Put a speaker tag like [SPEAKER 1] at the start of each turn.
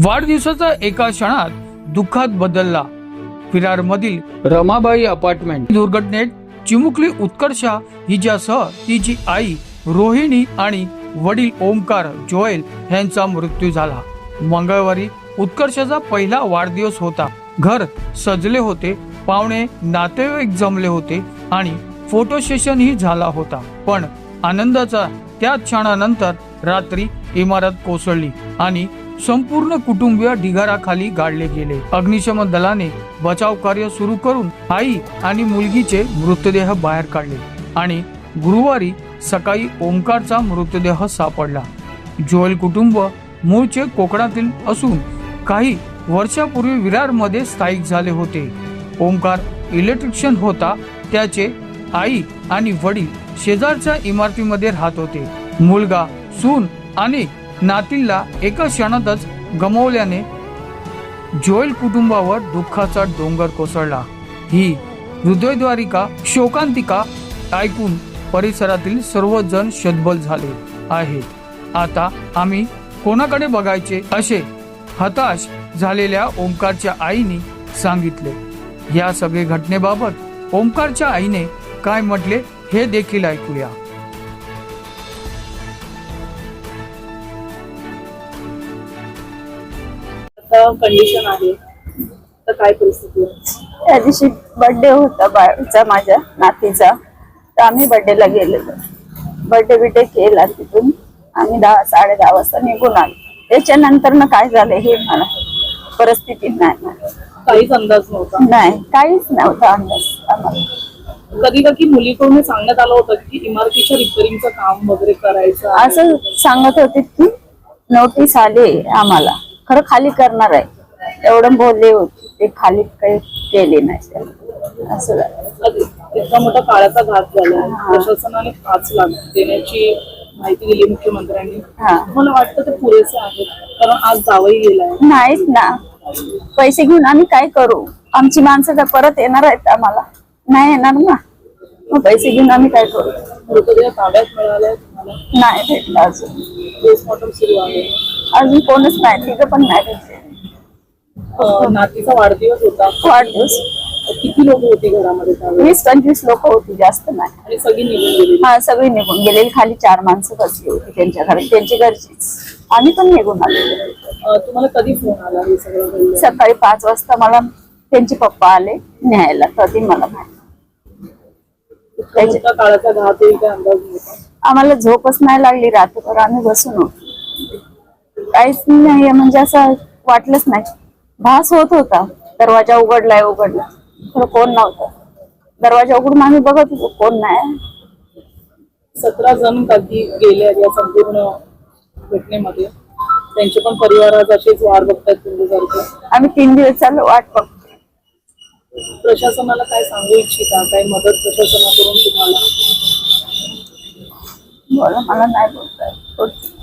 [SPEAKER 1] वाढदिवसाचा एका क्षणात दुःखात बदलला। विरारमधील रमाबाई अपार्टमेंट दुर्घटनेत चिमुकली उत्कर्षा हिच्यासह तिची आई रोहिणी आणि वडील ओमकार जोएल यांचा मृत्यू झाला। मंगळवारी उत्कर्षाचा पहिला वाढदिवस होता। घर सजले होते, पाहुणे नातेवाईक जमले होते आणि फोटो सेशन ही झाला होता। पण आनंदाचा त्या क्षणानंतर रात्री इमारत कोसळली आणि संपूर्ण कुटुंबीय ढिगाराखाली गाडले गेले। अग्निशमन दलाने बचाव कार्य सुरू करून आई आणि मुलगीचे मृतदेह बाहेर काढले आणि गुरुवारी सकाळी ओमकारचा मृतदेह सापडला। जोएल कुटुंब मूळचे कोकणातील असून काही वर्षापूर्वी विरारमध्ये स्थायिक झाले होते। ओमकार इलेक्ट्रिशियन होता। त्याचे आई आणि वडील शेजारच्या इमारतीमध्ये राहत होते। मुलगा, सून आणि नातीला एका क्षणातच गमावल्याने जोएल कुटुंबावर दुःखाचा डोंगर कोसळला। ही हृदयद्वारिका शोकांतिका ऐकून परिसरातील सर्वजण शतबल झाले आहेत। आता आम्ही कोणाकडे बघायचे असे हताश झालेल्या ओमकारच्या आईने सांगितले। या सगळे घटनेबाबत ओमकारच्या आईने काय म्हटले हे देखील ऐकूया।
[SPEAKER 2] कंडिशन आहे तर काय परिस्थिती आहे?
[SPEAKER 3] त्या दिवशी बर्थडे होता बाळाचा, माझ्या नातीचा, तर आम्ही बर्थडेला गेलेलो। बर्थडे केला, तिथून आम्ही 10-10:30 वाजता निघून आलो। त्याच्यानंतर ना काय झालं हे मला परिस्थिती नाही,
[SPEAKER 2] काहीच अंदाज नव्हता।
[SPEAKER 3] नाही, काहीच नव्हता अंदाज आम्हाला।
[SPEAKER 2] कधी मुलीकडून सांगण्यात आलं होतं की इमारतीच्या रिपेअरिंगचं काम वगैरे करायचं
[SPEAKER 3] असं सांगत होते की नोटीस आली आम्हाला, खरं खाली करणार आहे एवढं बोलले होते। ते खाली काही केले नाही असं झालं।
[SPEAKER 2] इतका मोठा काळाचा घात झाला। प्रशासनाने 5 लाख देण्याची माहिती दिली मुख्यमंत्र्यांनी। मला वाटतं ते पुरेसे आहेत, कारण आज जावई गेलाय।
[SPEAKER 3] नाहीच ना, पैसे घेऊन आम्ही काय करू? आमची माणसं तर परत येणार आहेत, आम्हाला नाही येणार ना, मग पैसे घेऊन आम्ही काय करू?
[SPEAKER 2] मृतदेह ताब्यात मिळालाय तुम्हाला?
[SPEAKER 3] नाही भेटला अजून।
[SPEAKER 2] पोस्टमॉर्टम सुरू आहे,
[SPEAKER 3] अजून कोणच नाही, तिथं पण नाही भेटले।
[SPEAKER 2] नातीचा वाढदिवस होता।
[SPEAKER 3] वाढदिवस
[SPEAKER 2] किती लोक होती घरामध्ये?
[SPEAKER 3] 20-25 लोक होती, जास्त नाही।
[SPEAKER 2] आणि सगळी निघून गेली?
[SPEAKER 3] हा, सगळी निघून गेलेली। खाली 4 माणसं बसली होती त्यांच्या घरी, त्यांची घरचीच। आम्ही पण निघून आलो।
[SPEAKER 2] तुम्हाला कधी फोन आला हे सगळं घडलं?
[SPEAKER 3] सकाळी 5 वाजता मला त्यांचे पप्पा आले न्यायला, कधी मला माहिती।
[SPEAKER 2] काळाचा घात होईल काय अंदाज नव्हता?
[SPEAKER 3] आम्हाला झोपच नाही लागली, रात्रभर आम्ही बसून होतो। काहीच नाही, म्हणजे असं वाटलंच नाही। भास होत होता, दरवाजा उघडला, खरं कोण नव्हतं। दरवाजा उघडून आम्ही बघत होतो, कोण नाही।
[SPEAKER 2] 17 जण कधी गेले या संपूर्ण घटनेमध्ये, त्यांचे पण परिवार आज असेच वाट बघतात तुमच्यासारखं।
[SPEAKER 3] आम्ही 3 दिवस चालू वाट बघतो।
[SPEAKER 2] प्रशासनाला काय सांगू इच्छिता? काय मदत प्रशासनाकडून तुम्हाला?
[SPEAKER 3] बोला, मला नाही बोलता येत।